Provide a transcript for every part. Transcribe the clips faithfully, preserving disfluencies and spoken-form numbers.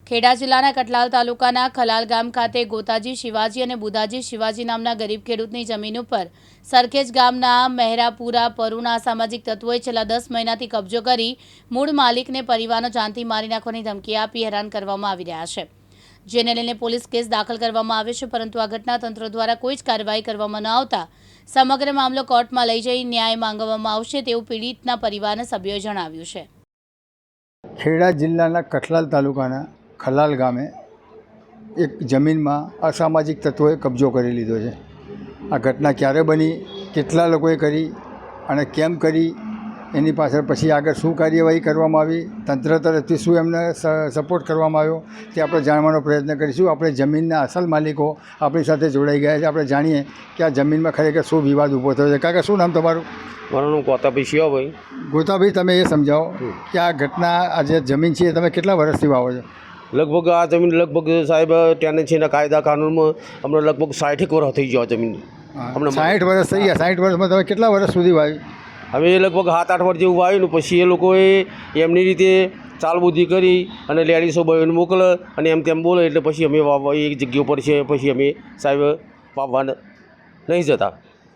ખેડા જિલ્લાના કટલાલ તાલુકાના ખલાલ ગામ ખાતે ગોતાજી શિવાજી અને બુધાજી શિવાજી નામના ગરીબ ખેડૂતની જમીન ઉપર સરખેજ ગામના મહેરાપુરા પરુના અસામાજિક તત્વોએ છેલ્લા દસ મહિનાથી કબજો કરી મૂળ માલિકને પરિવારનો જાનથી મારી નાખવાની ધમકી આપી હેરાન કરવામાં આવી રહ્યા છે, જેને લઈને પોલીસ કેસ દાખલ કરવામાં આવ્યો છે, પરંતુ આ ઘટના તંત્ર દ્વારા કોઈ જ કાર્યવાહી કરવામાં ન આવતા સમગ્ર મામલો કોર્ટમાં લઈ જઈ ન્યાય માંગવામાં આવશે તેવું પીડિતના પરિવારના સભ્યોએ જણાવ્યું છે। ખેડા જિલ્લાના કઠલાલ તાલુકાના ખલાલ ગામે એક જમીનમાં અસામાજિક તત્વોએ કબજો કરી લીધો છે। આ ઘટના ક્યારે બની, કેટલા લોકોએ કરી અને કેમ કરી, એની પાછળ પછી આગળ શું કાર્યવાહી કરવામાં આવી, તંત્ર તરફથી શું એમને સપોર્ટ કરવામાં આવ્યો તે આપણે જાણવાનો પ્રયત્ન કરીશું। આપણે જમીનના અસલ માલિકો આપણી સાથે જોડાઈ ગયા છે, આપણે જાણીએ કે આ જમીનમાં ખરેખર શું વિવાદ ઊભો થયો છે। કાકા, શું નામ તમારું? મારું નામ ગોતાભાઈ શિવાભાઈ। ગોતાભાઈ, તમે એ સમજાવો કે આ ઘટના, આ જે જમીન છે એ તમે કેટલા વર્ષથી વાવો છો? લગભગ આ જમીન લગભગ સાહેબ ત્યાં છે ને કાયદા કાનૂનમાં હમણાં લગભગ સાઠેક વર્ષ થઈ ગયો જમીન। હમણાં સાઠ વર્ષ થઈ ગયા। સાઠ વર્ષમાં તમે કેટલા વર્ષ સુધી વાવી? હવે લગભગ સાત આઠ વર્ષ જેવું વાવ્યું ને પછી એ લોકોએ એમની રીતે ચાલબુદ્ધિ કરી અને લેડીસો બહેન મોકલે અને એમ તેમ બોલે એટલે પછી અમે વાવવા એક જગ્યા ઉપર છે, પછી અમે સાહેબ વાવવા નહીં જતા।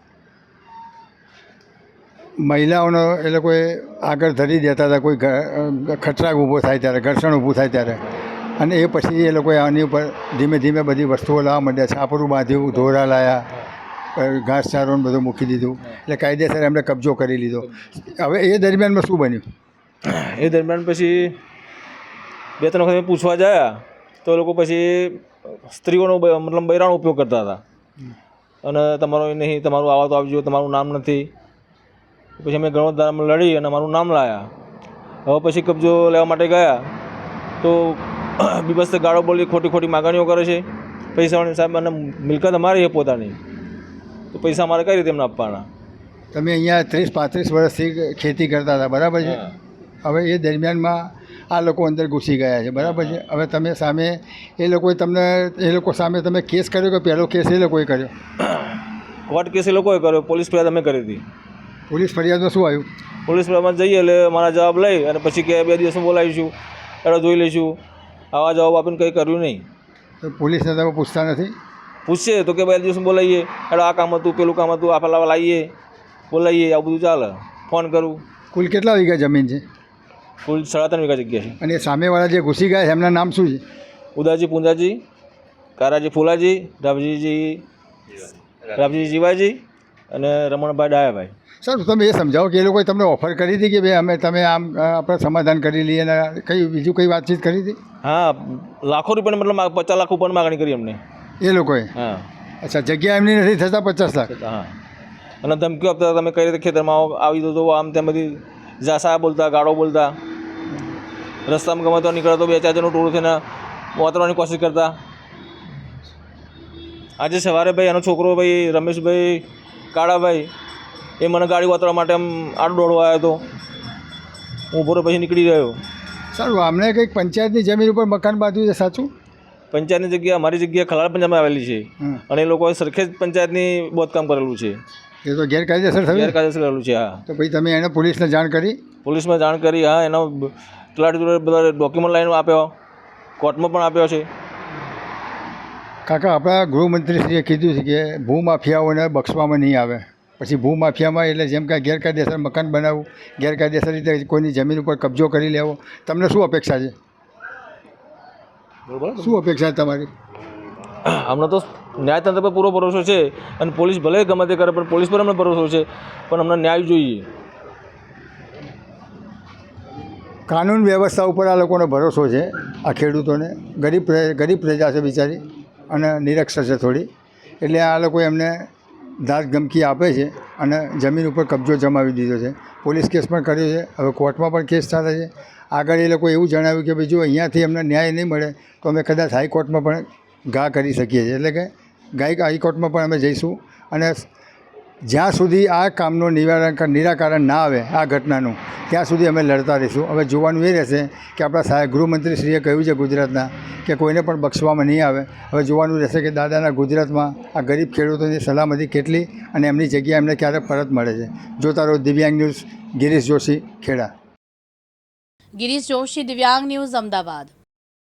મહિલાઓનો એ લોકોએ આગળ ધરી દેતા હતા, કોઈ ખતરાક ઊભો થાય ત્યારે, ઘર્ષણ ઊભું થાય ત્યારે, અને એ પછી એ લોકોએ આની ઉપર ધીમે ધીમે બધી વસ્તુઓ લાવવા માંડ્યા, છાપરું બાંધ્યું, ધોરા લાયા, ઘાસચારો ને બધું મૂકી દીધું, એટલે કાયદેસર એમણે કબજો કરી લીધો। હવે એ દરમિયાનમાં શું બન્યું? એ દરમિયાન પછી બે ત્રણ વખત પૂછવા ગયા તો એ લોકો પછી સ્ત્રીઓનો મતલબ બૈરાનો ઉપયોગ કરતા હતા અને તમારો એ નહીં, તમારું આવા તો આવજો, તમારું નામ નથી। પછી અમે ગણોદારમાં લડી અને અમારું નામ લાવ્યા। હવે પછી કબજો લેવા માટે ગયા તો બીબસ્ત ગાળો બોલી, ખોટી ખોટી માગણીઓ કરે છે। પૈસાવાળી સાહેબ અને મિલકત અમારી છે પોતાની, તો પૈસા અમારે કઈ રીતે એમને આપવાના? તમે અહીંયા ત્રીસ પાંત્રીસ વર્ષથી ખેતી કરતા હતા, બરાબર છે? હવે એ દરમિયાનમાં આ લોકો અંદર ઘૂસી ગયા છે, બરાબર છે? હવે તમે સામે એ લોકોએ તમને, એ લોકો સામે તમે કેસ કર્યો કે પહેલો કેસ એ લોકોએ કર્યો? કોર્ટ કેસ એ લોકોએ કર્યો, પોલીસ ફરિયાદ અમે કરી હતી। પોલીસ ફરિયાદમાં શું આવ્યું? પોલીસ ફરિયાદમાં જઈએ એટલે મારા જવાબ લઈ અને પછી કે બે દિવસમાં બોલાવીશું, એડો જોઈ લઈશું, આવા જવાબ આપીને કંઈ કર્યું નહીં। તો પોલીસને તમે પૂછતા નથી? પૂછશે તો કે બે દિવસમાં બોલાવીએ, એડો આ કામ હતું, પેલું કામ હતું, આ પેલા લાવીએ, બોલાવીએ, આવું બધું ચાલે। ફોન કરું। કુલ કેટલા વીઘા જમીન છે? કુલ સાડા ત્રણ વીઘા જગ્યા છે। અને સામેવાળા જે ઘૂસી ગયા છે એમના નામ શું છે? ઉદાજી પૂંજાજી, કારાજી ફુલાજી, રાવજીજી રાવજી જીવાજી અને રમણભાઈ ડાયાભાઈ। સર, તમે એ સમજાવો કે એ લોકોએ તમને ઓફર કરી હતી કે ભાઈ અમે તમે આમ આપણે સમાધાન કરી લઈએ અને કઈ બીજું કઈ વાતચીત કરી હતી? હા, લાખો રૂપિયાની મતલબ પચાસ લાખ ઉપર માગણી કરી અમને એ લોકોએ? હા। અચ્છા, જગ્યા એમની નથી થતા પચાસ લાખ? હા, અને ધમકીઓ આપતા તમે કઈ રીતે ખેતરમાં આવી દો તો આમ તેમ બધી જાસા બોલતા, ગાળો બોલતા, રસ્તામાં ગમે તો નીકળતો બે ચાર જણનું ટોળું થઈને ઉતરવાની કોશિશ કરતા। આજે સવારે ભાઈ એનો છોકરો ભાઈ રમેશભાઈ કાળાભાઈ એ મને ગાડી વાતરવા માટે આમ આડો દોડવા આવ્યો હતો, હું ઊભો પછી નીકળી રહ્યો। સારું, અમને કંઈક પંચાયતની જમીન ઉપર મકાન બાંધ્યું છે, સાચું? પંચાયતની જગ્યા, અમારી જગ્યા ખલાલ પંચાયતમાં આવેલી છે અને એ લોકોએ સરખેજ પંચાયતની બાંધકામ કરેલું છે। એ તો ગેરકાયદેસર થયું? ગેરકાયદેસર કરેલું છે। હા। તો પછી તમે એને પોલીસને જાણ કરી? પોલીસમાં જાણ કરી, હા, એનો તલાટી જોડે બધા ડોક્યુમેન્ટ લાઈન આપ્યો, કોર્ટમાં પણ આપ્યો છે। કાકા, આપણા ગૃહમંત્રીશ્રીએ કીધું છે કે ભૂમાફિયાઓને બક્ષવામાં નહીં આવે। પછી ભૂમાફિયામાં એટલે જેમ કે ગેરકાયદેસર મકાન બનાવવું, ગેરકાયદેસર રીતે કોઈની જમીન ઉપર કબજો કરી લેવો, તમને શું અપેક્ષા છે? શું અપેક્ષા છે તમારી? હમણાં તો ન્યાયતંત્ર પર પૂરો ભરોસો છે અને પોલીસ ભલે ગમે તે કરે પણ પોલીસ પર અમને ભરોસો છે, પણ અમને ન્યાય જોઈએ। કાનૂન વ્યવસ્થા ઉપર આ લોકોનો ભરોસો છે, આ ખેડૂતોને। ગરીબ ગરીબ પ્રજા છે બિચારી અને નિરક્ષર છે થોડી, એટલે આ લોકો એમને ધાક ધમકી આપે છે અને જમીન ઉપર કબજો જમાવી દીધો છે। પોલીસ કેસ પણ કર્યો છે, હવે કોર્ટમાં પણ કેસ ચાલે છે। આગળ એ લોકો એવું જણાવ્યું કે ભાઈ જો અહીંયાથી અમને ન્યાય નહીં મળે તો અમે કદાચ હાઈકોર્ટમાં પણ ઘા કરી શકીએ છીએ, એટલે કે ગાય હાઈકોર્ટમાં પણ અમે જઈશું અને જ્યાં સુધી આ કામનું નિવારણ નિરાકરણ ના આવે આ ઘટનાનું, ત્યાં સુધી અમે લડતા રહીશું। હવે જોવાનું એ રહેશે કે આપણા સાહેબ ગૃહમંત્રીશ્રીએ કહ્યું છે ગુજરાતના કે કોઈને પણ બક્ષવામાં નહીં આવે। હવે જોવાનું રહેશે કે દાદાના ગુજરાતમાં આ ગરીબ ખેડૂતોની સલામતી કેટલી અને એમની જગ્યા એમને ક્યારે પરત મળે છે। જોતા રહો દિવ્યાંગ ન્યૂઝ, ગિરીશ જોશી, ખેડા। ગિરીશ જોશી, દિવ્યાંગ ન્યૂઝ, અમદાવાદ।